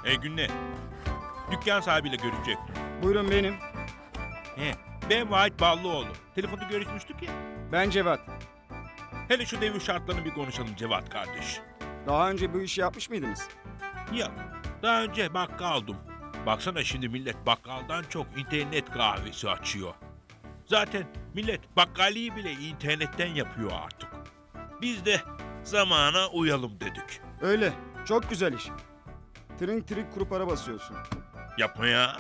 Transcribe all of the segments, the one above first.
Günle. Dükkan sahibiyle görüşecektim. Buyurun benim. He, ben Vahit Ballıoğlu. Telefonda görüşmüştük ya. Ben Cevat. Hele şu devir şartlarını bir konuşalım Cevat kardeş. Daha önce bu işi yapmış mıydınız? Yok, daha önce bakkaldım. Baksana şimdi millet bakkaldan çok internet kahvesi açıyor. Zaten millet bakkaliyi bile internetten yapıyor artık. Biz de zamana uyalım dedik. Öyle. Çok güzel iş. Trink trink kuru para basıyorsun. Yapma ya.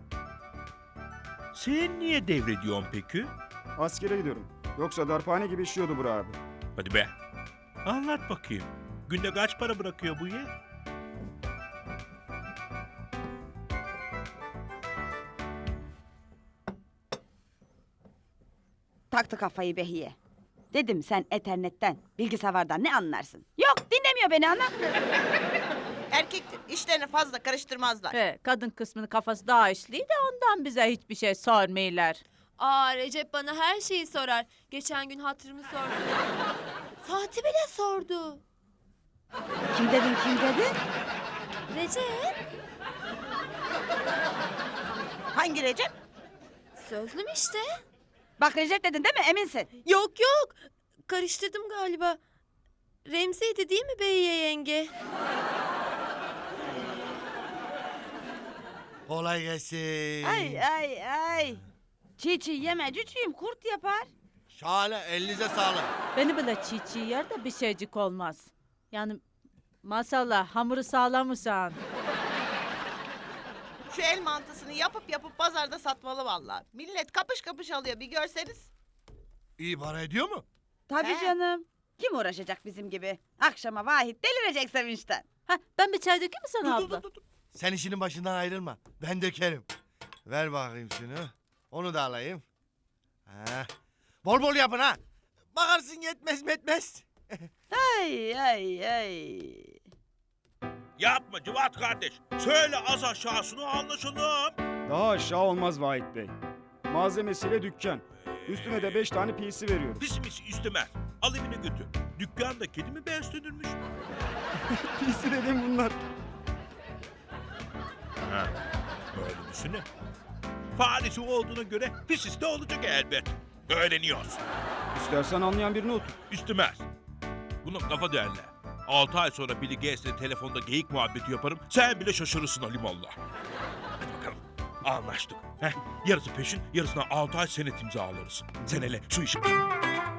Sen niye devrediyorsun peki? Askere gidiyorum. Yoksa darphane gibi işiyordu Burak abi. Hadi be. Anlat bakayım. Günde kaç para bırakıyor bu ya? Taktı kafayı Behiye. Dedim sen ethernetten, bilgisayardan ne anlarsın? Yok dinlemiyor beni ana. Erkektir. İşlerini fazla karıştırmazlar. He, kadın kısmının kafası daha işli de ondan bize hiçbir şey sormuyorlar. Aa Recep bana her şeyi sorar. Geçen gün hatırımı sordu. Saati bile sordu. Kim dedin kim dedi? Recep Hangi Recep? sözlüm işte. Bak Recep dedin değil mi eminsin? Yok yok karıştırdım galiba. Remzi'ydi değil mi Beyiye yenge? Kolay gelsin. Ay. Çiğ çiğ yeme cücüğüm kurt yapar. Şahane, elinize sağlık. Beni bile çiğ çiğ yer de bir şeycik olmaz. Yani maşallah hamuru sağlamışsan. Şu el mantısını yapıp pazarda satmalı vallahi. Millet kapış kapış alıyor bir görseniz. İyi para ediyor mu? Tabii He. canım. Kim uğraşacak bizim gibi? Akşama Vahit delirecek sevinçten. Ha, ben bir çay dökeyim mi sana abla? Dur. Sen işinin başından ayrılma. Ben dökerim. Ver bakayım şunu. Onu da alayım. Ha. Bol bol yapın ha. Bakarsın yetmez. Ay. Yapma Cevat kardeş. Söyle az aşağısını anlaşalım. Daha aşağı olmaz Vahit Bey. Malzemesiyle dükkan. Üstüne de 5 tane PC veriyorum. Pis istemez. Al evine götür. Dükkanda kedi mi beslenirmiş? PC dedim bunlar. Ha, öyle düşünün. Faresi olduğuna göre pisisi de olacak elbet. Öğreniyoruz. İstersen anlayan birini otur. İstemez. Buna kafa derler. 6 ay sonra Billy Gates'le telefonda geyik muhabbeti yaparım. Sen bile şaşırırsın alimallah. Hadi bakalım. Anlaştık. Yarısı peşin, yarısına 6 ay senet imzalarız. Sen hele şu işi...